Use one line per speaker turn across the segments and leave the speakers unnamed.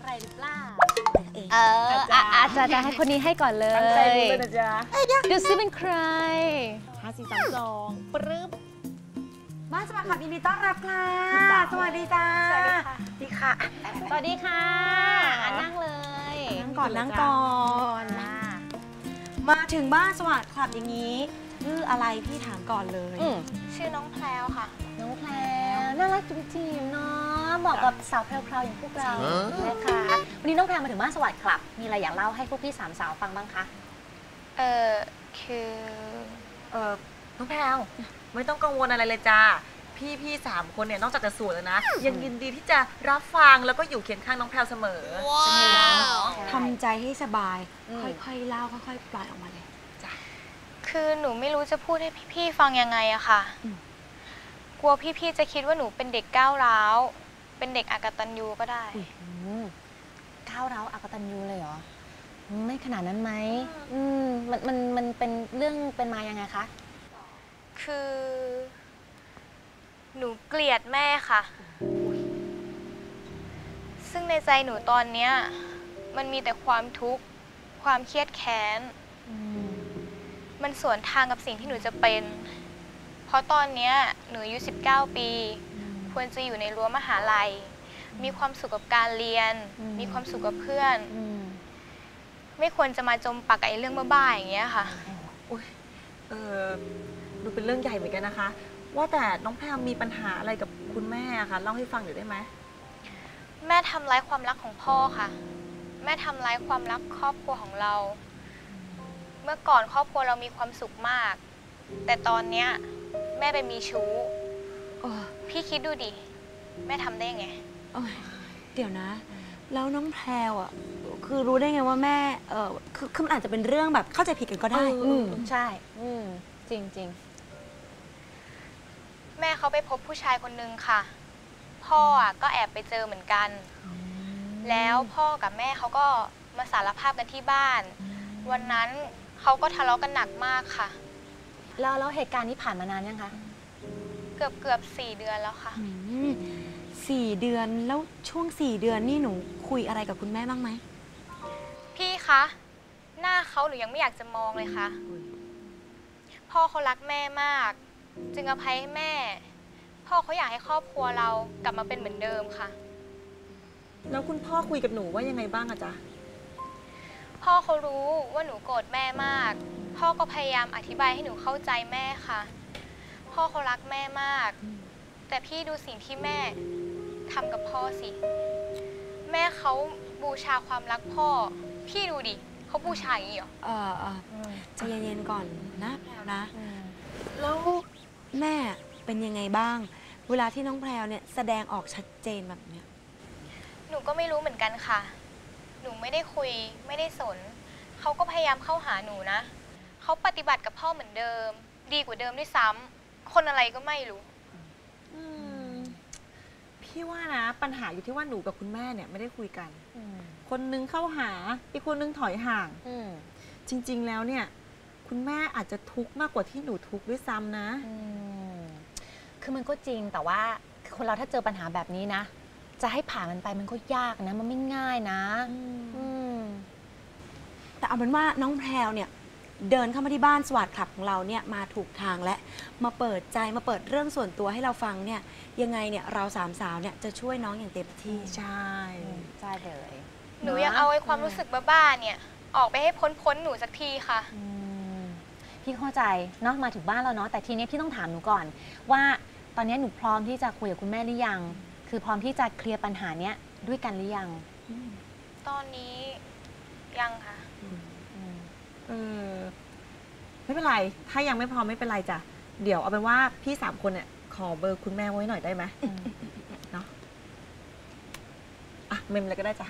อะไรหรือเปล่า
อาจจะให้คนนี้ให้ก่อนเลย
ตั้งใจดูเลยนะจ๊ะ
ดูซิเป็นใคร
5432ปรึ๊บ
บ้านสวัสดีค่ะยินดีต้อนรับค่ะสวัสดีจ้าสวัสดีค่ะ
สวัสดีค่ะนั่งเลย
นั่งก่อนมาถึงบ้านสวัสดิ์คลับอย่างนี้ชื่ออะไรพี่ถามก่อนเลย
ชื่อน้องแพรวค่ะ
น้องแพรวน่ารักจุ๋มจิ๋มเนาะเหมาะกับสาวแพรวๆอย่างพวกเรานะคะวันนี้น้องแพรวมาถึงบ้านสวัสดิ์คลับมีอะไรอยากเล่าให้พวกพี่สามสาวฟังบ้างคะ
คือ
น้องแพรวไม่ต้องกังวลอะไรเลยจ้าพี่3 คนเนี่ยนอกจากจะสวยแล้วนะยังยินดีที่จะรับฟังแล้วก็อยู่เคียงข้างน้องแพรวเสมอ
ทำใจให้สบายค่อยๆเล่าค่อยๆปล่อยออกมาเลย
จ้ะคือหนูไม่รู้จะพูดให้พี่ๆฟังยังไงอะค่ะกลัวพี่ๆจะคิดว่าหนูเป็นเด็กก้าวร้าวเป็นเด็กอกตัญญูก็ได้
ก้าวร้าวอกตัญญูเลยเหรอไม่ขนาดนั้นไหมมันเป็นเรื่องเป็นมายังไงคะ
คือหนูเกลียดแม่ค่ะซึ่งในใจหนูตอนเนี้ยมันมีแต่ความทุกข์ความเครียดแค้นมันสวนทางกับสิ่งที่หนูจะเป็นเพราะตอนเนี้ยหนูอายุ19 ปีควรจะอยู่ในรั้วมหาลัยมีความสุขกับการเรียนมีความสุขกับเพื่อนไม่ควรจะมาจมปักกับไอ้เรื่องบ้าๆอย่างเงี้ยค่ะ
ดูเป็นเรื่องใหญ่เหมือนกันนะคะว่าแต่น้องแพรมีปัญหาอะไรกับคุณแม่คะเล่าให้ฟังหน่อยได้ไหม
แม่ทำร้ายความรักของพ่อค่ะแม่ทำร้ายความรักครอบครัวของเราเมื่อก่อนครอบครัวเรามีความสุขมากแต่ตอนเนี้ยแม่ไปมีชู้พี่คิดดูดิแม่ทำได้ไง
เดี๋ยวนะแล้วน้องแพรวอ่ะคือรู้ได้ไงว่าแม่คือมันอาจจะเป็นเรื่องแบบเข้าใจผิดกันก็ได้
ใช่จริง
แม่เขาไปพบผู้ชายคนนึงค่ะพ่อก็แอบไปเจอเหมือนกันแล้วพ่อกับแม่เขาก็มาสารภาพกันที่บ้านวันนั้นเขาก็ทะเลาะกันหนักมากค่ะ
แล้วเหตุการณ์นี้ผ่านมานานยังคะ
เกือบ4 เดือนแล้วค่ะ
4 เดือนแล้วช่วง4 เดือนนี่หนูคุยอะไรกับคุณแม่บ้างไหม
พี่คะหน้าเขาหนูยังไม่อยากจะมองเลยค่ะพ่อเขารักแม่มากจึงอภัยให้แม่พ่อเขาอยากให้ครอบครัวเรากลับมาเป็นเหมือนเดิมค่ะ
แล้วคุณพ่อคุยกับหนูว่ายังไงบ้างอะจ๊ะ
พ่อเขารู้ว่าหนูโกรธแม่มากพ่อก็พยายามอธิบายให้หนูเข้าใจแม่ค่ะพ่อเขารักแม่มากแต่พี่ดูสิ่งที่แม่ทำกับพ่อสิแม่เขาบูชาความรักพ่อพี่ดูดิเขาบูชาอย่างนี้เหรอ
ใจเย็นๆก่อนนะแพรวนะแล้วแม่เป็นยังไงบ้างเวลาที่น้องแพรวเนี่ยแสดงออกชัดเจนแบบเนี้ย
หนูก็ไม่รู้เหมือนกันค่ะหนูไม่ได้คุยไม่ได้สนเขาก็พยายามเข้าหาหนูนะเขาปฏิบัติกับพ่อเหมือนเดิมดีกว่าเดิมด้วยซ้ำคนอะไรก็ไม่รู้
พี่ว่านะปัญหาอยู่ที่ว่าหนูกับคุณแม่เนี่ยไม่ได้คุยกันคนนึงเข้าหาอีกคนนึงถอยห่างจริงๆแล้วเนี่ยคุณแม่อาจจะทุกข์มากกว่าที่หนูทุกข์ด้วยซ้ำนะ
คือมันก็จริงแต่ว่าคนเราถ้าเจอปัญหาแบบนี้นะจะให้ผ่านมันไปมันก็ยากนะมันไม่ง่ายนะ
แต่เอาเป็นว่าน้องแพรวเนี่ยเดินเข้ามาที่บ้านสวัสดิ์คลับของเราเนี่ยมาถูกทางและมาเปิดใจมาเปิดเรื่องส่วนตัวให้เราฟังเนี่ยยังไงเนี่ยเรา3 สาวเนี่ยจะช่วยน้องอย่างเต็มที่
ใช่
เลย
หนูอยากเอาไอ้ความรู้สึกบ้าๆเนี่ยออกไปให้พ้นหนูสักทีค่ะ
พี่เข้าใจเนาะมาถึงบ้านแล้วเนาะแต่ทีนี้พี่ต้องถามหนูก่อนว่าตอนนี้หนูพร้อมที่จะคุยกับคุณแม่หรือยังคือพร้อมที่จะเคลียร์ปัญหาเนี้ยด้วยกันหรือยัง
ตอนนี้ยังค่ะ
ไม่เป็นไรถ้ายังไม่พร้อมไม่เป็นไรจ้ะเดี๋ยวเอาเป็นว่าพี่3 คนเนี่ยขอเบอร์คุณแม่ไว้หน่อยได้ไหมเนาะเมมอะไรก็ได้จ้ะ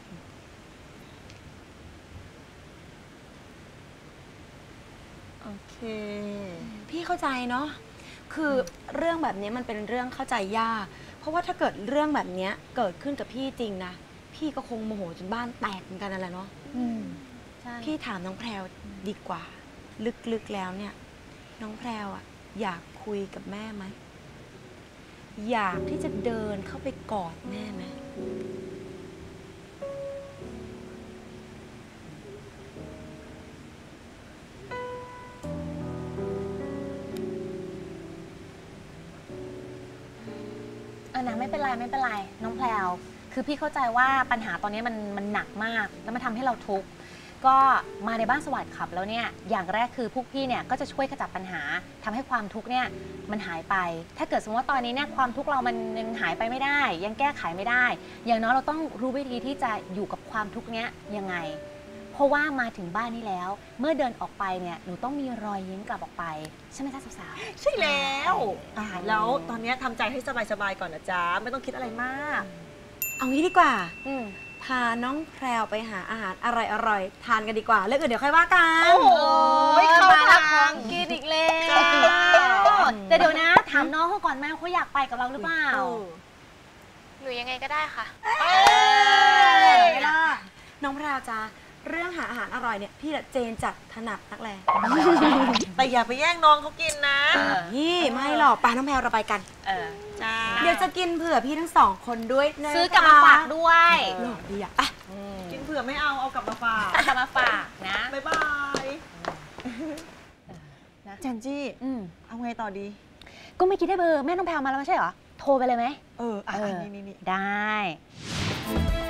โอเค
พี่เข้าใจเนาะคือเรื่องแบบนี้มันเป็นเรื่องเข้าใจยากเพราะว่าถ้าเกิดเรื่องแบบนี้เกิดขึ้นกับพี่จริงนะพี่ก็คงโมโหจนบ้านแตกเหมือนกันนั่นแหละเนาะพี่ถามน้องแพรวดีกว่าลึกๆแล้วเนี่ยน้องแพรวอยากคุยกับแม่ไหมอยากที่จะเดินเข้าไปกอดแม่ไหม
นะไม่เป็นไรไม่เป็นไรน้องแพลวคือพี่เข้าใจว่าปัญหาตอนนี้มันหนักมากแล้วมันทำให้เราทุกข์ก็มาในบ้านสวัสดิ์ขับแล้วเนี่ยอย่างแรกคือพวกพี่เนี่ยก็จะช่วยขจัดปัญหาทำให้ความทุกข์เนี่ยมันหายไปถ้าเกิดสมมติว่าตอนนี้เนี่ยความทุกข์เรามันยังหายไปไม่ได้ยังแก้ไขไม่ได้อย่างน้อยเราต้องรู้วิธีที่จะอยู่กับความทุกข์เนี้ยยังไงเพราะว่ามาถึงบ้านนี้แล้วเมื่อเดินออกไปเนี่ยหนูต้องมีรอยยิ้มกลับออกไปใช่ไหมจ๊ะสาวๆ
ใช่แล้วแล้วตอนนี้ทำใจให้สบายๆก่อนนะจ๊ะไม่ต้องคิดอะไรมาก
เอางี้ดีกว่าพาน้องแพรวไปหาอาหารอร่อยๆทานกันดีกว่าเรื่องอื่นเดี๋ยวค่อยว่ากัน
โอ้โห เข้า
มาละ
ทาง
ของกินอีกแล้ว
จ้า
แต่เดี๋ยวนะถามน้องเขาก่อนแม่เขาอยากไปกับเราหรือเปล่า
หนูยังไงก็ได้ค่ะ
ไม่ล่ะน้องแพรวจ้าเรื่องหาอาหารอร่อยเนี่ยพี่เจนจัดถนัดนักแล
แต่อย่าไปแย่งน้องเขากินนะ
นี่ไม่หรอกปาน้องแพรวเราไปกัน
จ้า
เดี๋ยวจะกินเผื่อพี่ทั้งสองคนด้วยนะคะ
ซื้อกลับมาฝากด้วย
หล่อดีอ่ะ
กินเผื่อไม่เอากลับมาฝาก
กลับมาฝากนะ
บ๊ายบายแจนจี้เอาไงต่อดี
ก็ไม่คิดได้เบอร์แม่น้องแพรวมาแล้วไม่ใช่เหรอโทรไปเลยไหม
นี่
ได้